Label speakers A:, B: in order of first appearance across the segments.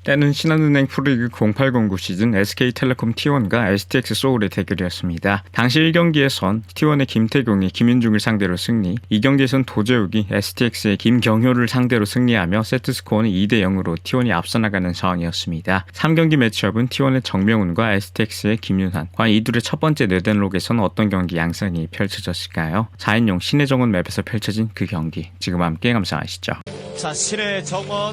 A: 때는 신한은행 프로리그 0809 시즌 SK텔레콤 T1과 STX 소울의 대결이었습니다. 당시 1경기에선 T1의 김태경이 김윤중을 상대로 승리, 2경기에선 도재욱이 STX의 김경효를 상대로 승리하며 세트스코어는 2대0으로 T1이 앞서 나가는 상황이었습니다. 3경기 매치업은 T1의 정명훈과 STX의 김윤환, 과연 이 둘의 첫 번째 네덴록에서는 어떤 경기 양상이 펼쳐졌을까요? 4인용 신혜정원 맵에서 펼쳐진 그 경기, 지금 함께 감상하시죠.
B: 자, 신혜정원,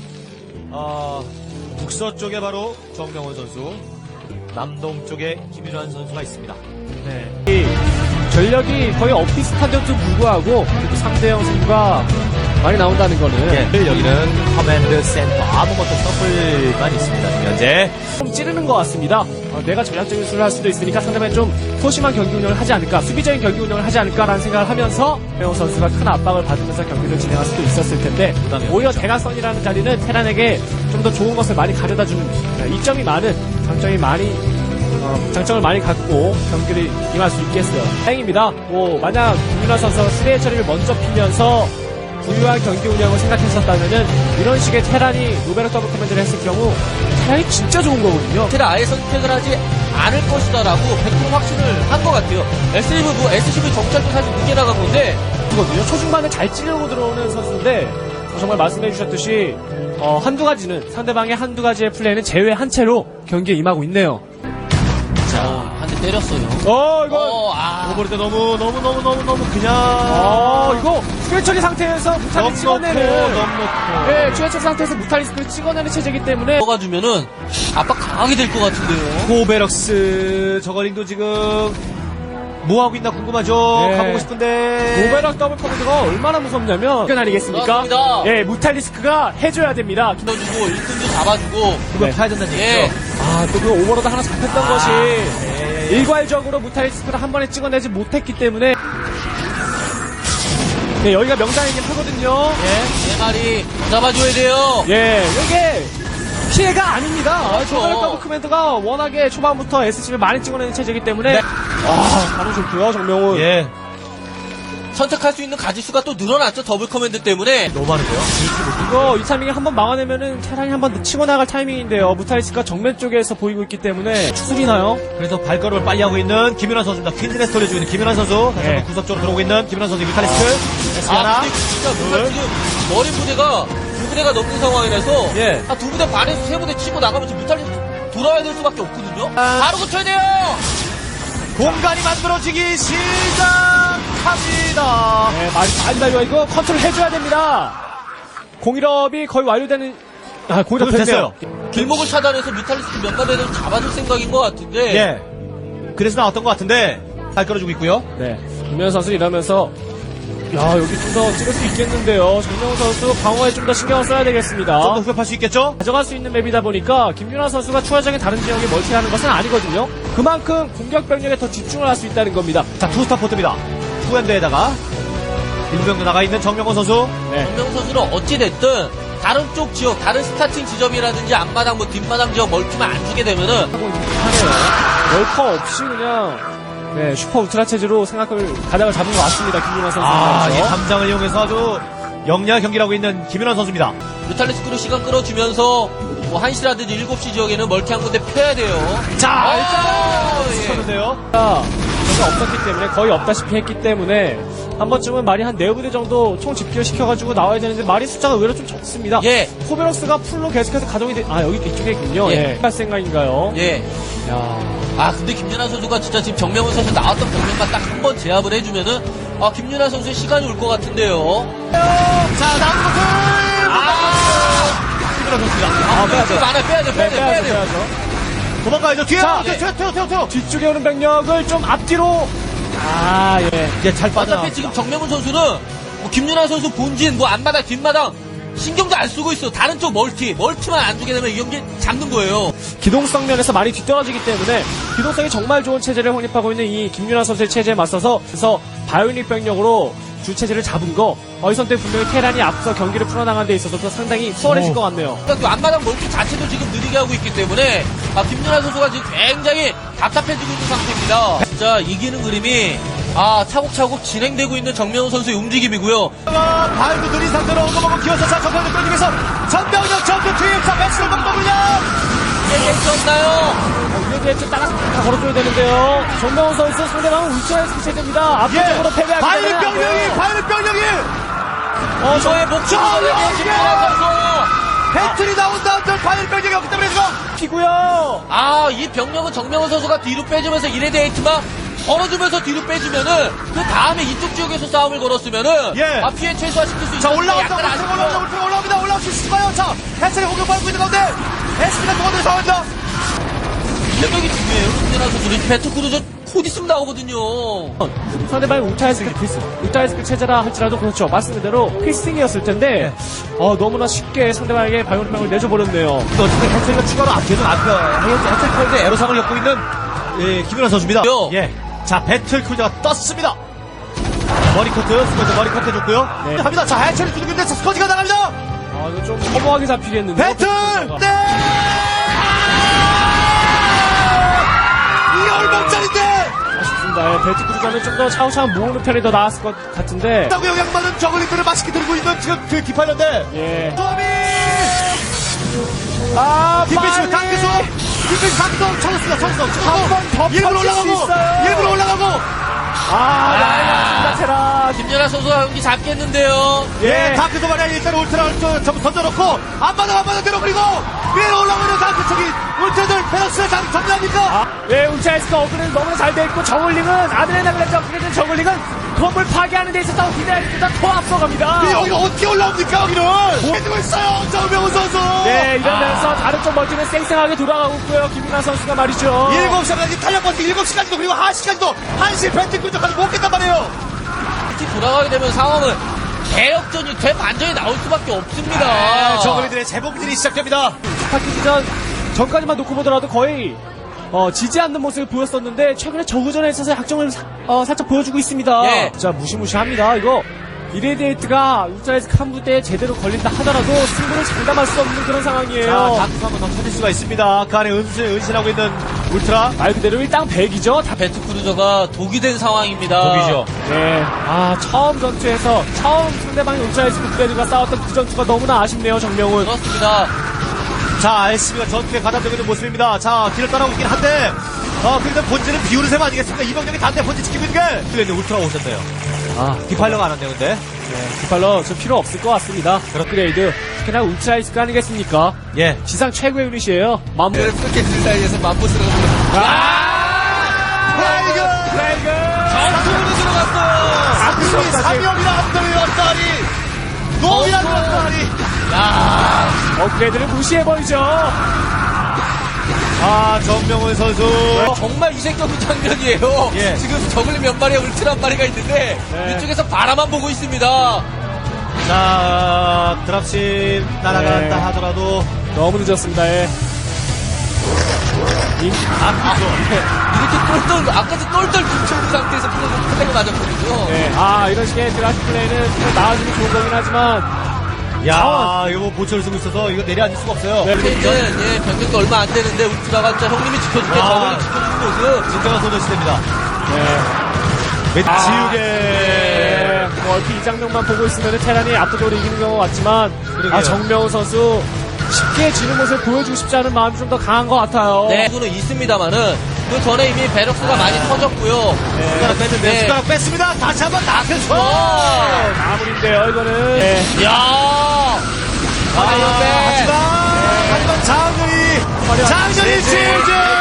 B: 북서쪽에 바로 정명훈 선수, 남동쪽에 김윤환 선수가 있습니다.
C: 네. 이 전력이 거의 엇비슷한데도 불구하고 그래도 3대0 승부가 많이 나온다는 거는
B: 여기는 커맨드 센터 아무것도 서플만 있습니다. 지금 현재
C: 좀 찌르는 것 같습니다. 내가 전략적인 수를 할 수도 있으니까 상대방이 좀 소심한 경기 운영을 하지 않을까, 수비적인 경기 운영을 하지 않을까라는 생각을 하면서 배우 선수가 큰 압박을 받으면서 경기를 진행할 수도 있었을 텐데, 오히려 대각선이라는 자리는 테란에게 좀 더 좋은 것을 많이 가져다주는, 이점이 많은, 장점을 많이 갖고 경기를 임할 수 있겠어요. 다행입니다. 만약 김윤환 선수가 수레의 처리를 먼저 피면서 부유한 경기 운영을 생각했었다면은 이런 식의 테란이 노베럭 더블 커맨드를 했을 경우 테란이 진짜 좋은 거거든요.
D: 테란 아예 선택을 하지 않을 것이다라고 100% 확신을 한 것 같아요. SCV 정찰도 사실 늦게 나간 건데
C: 거든요. 초중반에 잘 찌르고 들어오는 선수인데 정말 말씀해 주셨듯이 한두 가지는 상대방의 한두 가지의 플레이는 제외한 채로 경기에 임하고 있네요.
D: 자, 한 대 때렸어요.
C: 이거
B: 오버릴 때 너무 그냥
C: 이거 추해처리 상태에서 무탈리스 찍어내는
B: 넘놓고
C: 추해처리 상태에서 무탈리스크를 찍어내는 체제이기 때문에
D: 먹어주면은 압박 강하게 될 것 같은데요.
B: 고베럭스 저거링도 지금 뭐하고 있나 궁금하죠.
C: 네.
B: 가보고 싶은데
C: 노베럭 더블 커맨드가 얼마나 무섭냐면 이건 아니겠습니까?
D: 그렇습니다.
C: 무탈리스크가 해줘야 됩니다.
D: 넣어주고 1등도 잡아주고
B: 그걸 파야 된다는
D: 예.
B: 얘기죠.
C: 또 그 오버로드 하나 잡혔던 것이 일괄적으로 무탈리스크를 한 번에 찍어내지 못했기 때문에 여기가 명당이긴 하거든요.
D: 네 마리 잡아줘야 돼요.
C: 이게 피해가 아닙니다.
D: 그렇죠.
C: 노베럭 더블 커맨드가 워낙에 초반부터 SC를 많이 찍어내는 체제이기 때문에 바로 좋고요, 정명훈.
B: 예.
D: 선택할 수 있는 가지수가 또 늘어났죠. 더블 커맨드 때문에.
B: 너무 많은데요.
C: 이거 이 타이밍에 한번 막아내면은 테란이 한번 치고 나갈 타이밍인데요. 무탈리스크가 정면 쪽에서 보이고 있기 때문에 추스리나요?
B: 그래서 발걸음을 빨리 하고 있는 김윤환 선수입니다. 퀸즈네스 돌려주고 있는 김윤환 선수. 다시 한번 구석 쪽으로 들어오고 있는 김윤환 선수. 뮤탈리스크. S 하나.
D: 근데 진짜 무탈 지금 머리 부대가 두 부대가 넘는 상황이라서
B: 예.
D: 두 부대 반에서 세 부대 치고 나가면 지금 무탈 돌아야 될 수밖에 없거든요. 바로 고쳐야 돼요.
B: 공간이 만들어지기 시작합니다.
C: 많이 달려. 이거 컨트롤 해줘야 됩니다. 공일업이 거의 완료되는, 공일업 됐어요.
D: 길목을 차단해서 뮤탈리스트 몇 마리를 잡아줄 생각인 것 같은데.
B: 예. 그래서 나왔던 것 같은데 잘 끌어주고 있고요.
C: 김현 선수 이러면서, 여기 좀 더 찍을 수 있겠는데요. 정명훈 선수 방어에 좀 더 신경을 써야 되겠습니다.
B: 좀 더 후벼팔 수 있겠죠?
C: 가져갈 수 있는 맵이다 보니까 김윤환 선수가 추가적인 다른 지역에 멀티하는 것은 아니거든요. 그만큼 공격 병력에 더 집중을 할 수 있다는 겁니다.
B: 자, 투스타 포트입니다. 투핸드에다가 일병도 나가 있는 정명훈 선수.
D: 정명 선수는 어찌됐든 다른 쪽 지역, 다른 스타팅 지점이라든지 앞마당, 뒷마당 지역 멀티만 안 주게 되면은
C: 하고 있긴 하네요. 월커 없이 그냥 슈퍼 울트라 체제로 가닥을 잡은 것 같습니다. 김윤환 선수.
B: 이 담장을 이용해서 아주 영리한 경기를 하고 있는 김윤환 선수입니다.
D: 뮤탈리스크로 시간 끌어주면서 1시라든지 7시 지역에는 멀티 한 군데 펴야 돼요.
B: 자,
D: 예.
B: 쳤는데요.
C: 전혀 없었기 때문에 거의 없다시피 했기 때문에 한 번쯤은 말이 한 4부대 정도 총 집결시켜가지고 나와야 되는데 말이 숫자가 의외로 좀 적습니다.
D: 예.
C: 코베럭스가 풀로 계속해서 가동이 여기 이쪽에 있군요.
D: 예.
C: 할 생각인가요?
D: 예. 근데 김윤환 선수가 진짜 지금 정명훈 선수 나왔던 병력만 딱 한 번 제압을 해주면은 김윤환 선수의 시간이 올 것 같은데요.
B: 자, 나오는 것은 김윤환 선수입니다.
D: 빼야 돼.
B: 도망가야죠. 뒤에
C: 자,
B: 튀어.
C: 뒤쪽에 오는 병력을 좀 앞뒤로
B: 잘 빠져.
D: 어차피 지금 정명훈 선수는 김윤환 선수 본진, 앞마당, 뒷마당 신경도 안 쓰고 있어. 다른 쪽 멀티만 안 주게 되면 이 경기 잡는 거예요.
C: 기동성 면에서 많이 뒤떨어지기 때문에 기동성이 정말 좋은 체제를 확립하고 있는 이 김윤환 선수의 체제에 맞서서 그래서 바이오닉 병력으로 주 체제를 잡은 거 이 선택 분명히 테란이 앞서 경기를 풀어나가는 데 있어서 상당히 수월해질 것 같네요.
D: 그러니까 앞마당 멀티 자체도 지금 느리게 하고 있기 때문에 김윤환 선수가 지금 굉장히 답답해지고 있는 상태입니다. 진짜 이기는 그림이 차곡차곡 진행되고 있는 정명훈 선수의 움직임이고요.
B: 발도 느린 상태로 엉거먹어 기어서 자 전병력 끌리면서 전병력 전투 투입. 자 배치를 먹더군요.
D: 깨졌나요?
C: 이래도 따라 다 걸어줘야 되는데요. 정명훈 선수 상대방은 울트라에서 체제입니다. 압도적으로 패배하기
B: 바이른 병력이
D: 저의 목숨을 걸고 김민환 선수.
B: 배틀이 나온다. 바이른 병력이 없기 때문에 지금
C: 피고요.
D: 이 병력은 정명훈 선수가 뒤로 빼주면서 이레데이트만 걸어주면서 뒤로 빼주면은 그 다음에 이쪽 지역에서 싸움을 걸었으면은
B: 예.
D: 피해 최소화시킬 수
B: 자
D: 있는데
B: 올라온다.
D: 약간 아쉽고요.
B: 울트라 올라옵니다. 올라올 수 있을까요? 자 해철이 공격받고 있는 가운데 SB가 동원돼서 싸운다.
D: 실력이 중요해요. 김민환 선수는 배트크루저 곧 있으면 나오거든요.
C: 상대방이 울트라이스크 필수, 울트라이스크 체제라 할지라도 그렇죠. 말씀 그대로 필승이었을 텐데 너무나 쉽게 상대방에게 발광병을 내줘버렸네요.
B: 어쨌든 해철이가 추가로 앞에서 해철 컬드 애로상을 겪고 있는 김윤환 선수입니다. 예. 자 배틀 쿨드가 떴습니다. 머리커트 스쿼드 머리커트 해줬고요.
C: 네.
B: 합니다. 자 해철이 두둑인데 스쿼드가 나갑니다.
C: 이거 좀 허무하게 잡히겠는데.
B: 배틀! 네! 이게 얼마짜린데?
C: 아쉽습니다. 예, 배트 구조자는 좀 더 차후차후 모으는 편이 더 나았을 것 같은데.
B: 따고 영향받은 저글링들을 맛있게 들고 있는 지금 그 디파일러인데.
C: 예.
B: 소미!
C: 빨리!
B: 빅피스 탕크수! 빅피스 탕크수 쳤습니다.
C: 한번 더
B: 일부러
C: 펼칠 수
B: 올라가고!
C: 있어요.
B: 일부러 올라가고!
C: 나이가 테라.
D: 김연아 선수가 경기 잡겠는데요.
B: 예, 탕크수 말이야. 일단 울트라 전부 던져놓고 안 받아 내려버리고 위로 올라오는 탕크 쪽이 울트라들 페럭스를 정리합니까?
C: 예, 울트라이스크 업그레이드 너무나 잘 돼 있고 정글링은 아드레날렌 업그레이드 정글링은 건물 파괴하는 데 있어서 기대하기보다 더 앞서갑니다.
B: 여기가 어떻게 올라옵니까 여기는? 해주고 있어요 정명훈 선수.
C: 네, 이러면서 다른 쪽 멀티는 쌩쌩하게 돌아가고 있고요. 김민환 선수가 말이죠.
B: 7시까지 탄력버티 7시까지도 그리고 1시까지도 1시 벤트 끈적까지 못 깼단 말이에요.
D: 특히 돌아가게 되면 상황은 대역전이 대반전이 나올 수밖에 없습니다.
B: 저그리들의 재봉질이 시작됩니다.
C: 바뀌기 전까지만 놓고 보더라도 거의 지지 않는 모습을 보였었는데 최근에 저우전에 있어서 약점을 살짝 보여주고 있습니다.
D: 예.
C: 진짜 무시무시합니다. 이거 이레디에이트가 울트라이스크 한 부대에 제대로 걸린다 하더라도 승부를 장담할 수 없는 그런 상황이에요.
B: 다크 한번 더 찾을 수가 있습니다. 그 안에 은신하고 있는 울트라.
C: 말 그대로 일당 100이죠.
D: 배트크루저가 독이 된 상황입니다.
C: 네. 처음 전투에서 처음 상대방이 울트라이스크 부대들과 싸웠던 그 전투가 너무나 아쉽네요. 정명훈.
D: 그렇습니다.
B: 자, SB가 전투에 가담되고 있는 모습입니다. 자, 길을 따라오고 있긴 한데, 그래도 본질은 비우는 셈 아니겠습니까? 이병력이 단대 본질 지키고 있는 게. 근데 울트라가 오셨네요. 디파일러가 안 왔네요, 근데.
C: 디팔러 저 필요 없을 것 같습니다. 업그레이드. 특히나 울트라이스크 아니겠습니까?
B: 예.
C: 지상 최고의 유닛이에요.
D: 그래서 그 사이에서 맘보스가
C: 플레이그!
D: 전투로 들어갔어요.
B: 3명이나 앞다리 왔다리! 노이라는 왔다리!
C: 업그레이드를 무시해버리죠.
B: 정명훈 선수.
D: 정말 이색적인 장면이에요.
B: 예.
D: 지금 저글링 몇 마리와 울트라 한 마리가 있는데
C: 네.
D: 이쪽에서 바라만 보고 있습니다.
B: 자, 드랍십 날아간다
C: 네.
B: 하더라도.
C: 너무 늦었습니다. 예.
D: 이렇게 똘똘 아까도 똘똘 뭉쳐있는 상태에서 플레이가 맞았거든요.
C: 네. 이런 식의 드라시 플레이는 정말 나와주면 좋은 거긴 하지만
B: 야, 이거 뭐 보초를 쓰고 있어서 이거 내려앉을 수가 없어요.
C: 네.
D: 이제 병력도 얼마 안 되는데 울트라가 진짜 형님이 지켜줄게 저글링 지켜주는 모습.
B: 진정한 소녀 시대입니다.
C: 네.
B: 지우개.
C: 네. 얼핏 이 장면만 보고 있으면 테란이 압도적으로 이기는 경우가 같지만
B: 그러게요.
C: 정명훈 선수 쉽게 지는 모습을 보여주고 싶지 않은 마음이 좀 더 강한 것 같아요.
D: 네, 그거는 있습니다만은 그 전에 이미 베럭스가 많이 터졌고요.
B: 숟가락 뺐는데
D: 네.
B: 숟가락 뺐습니다. 다시 한번 낙해줘.
C: 마무리인데요, 이거는. 네.
D: 야,
B: 하지만 장윤이 지지.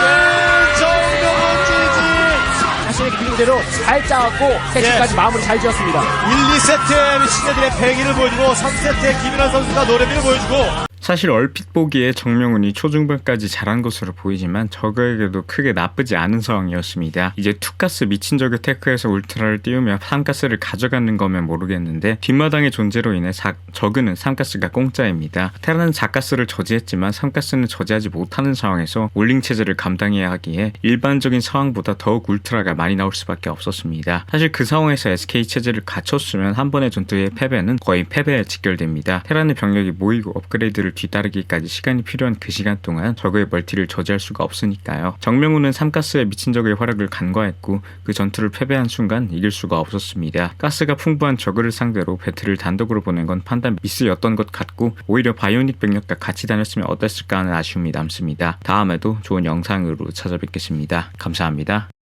B: 정명훈 지지.
C: 자신의 그림대로 잘 짜갖고 세트까지 마무리 잘 지었습니다.
B: 1, 2세트에 신예들의 패기를 보여주고 3세트에 김인환 선수가 노래비를 보여주고.
A: 사실 얼핏 보기에 정명훈이 초중반까지 잘한 것으로 보이지만 저그에게도 크게 나쁘지 않은 상황이었습니다. 이제 투가스 미친 저그 테크에서 울트라를 띄우며 3가스를 가져가는 거면 모르겠는데 뒷마당의 존재로 인해 저그는 3가스가 공짜입니다. 테라는 4가스를 저지했지만 3가스는 저지하지 못하는 상황에서 올링 체제를 감당해야 하기에 일반적인 상황보다 더욱 울트라가 많이 나올 수밖에 없었습니다. 사실 그 상황에서 SK 체제를 갖췄으면 한 번의 전투의 패배는 거의 패배에 직결됩니다. 테란의 병력이 모이고 업그레이드를 뒤따르기까지 시간이 필요한 그 시간 동안 적의 멀티를 저지할 수가 없으니까요. 정명훈은 3가스에 미친 적의 활약을 간과했고 그 전투를 패배한 순간 이길 수가 없었습니다. 가스가 풍부한 저그를 상대로 배틀을 단독으로 보낸 건 판단 미스였던 것 같고 오히려 바이오닉 병력과 같이 다녔으면 어땠을까 하는 아쉬움이 남습니다. 다음에도 좋은 영상으로 찾아뵙겠습니다. 감사합니다.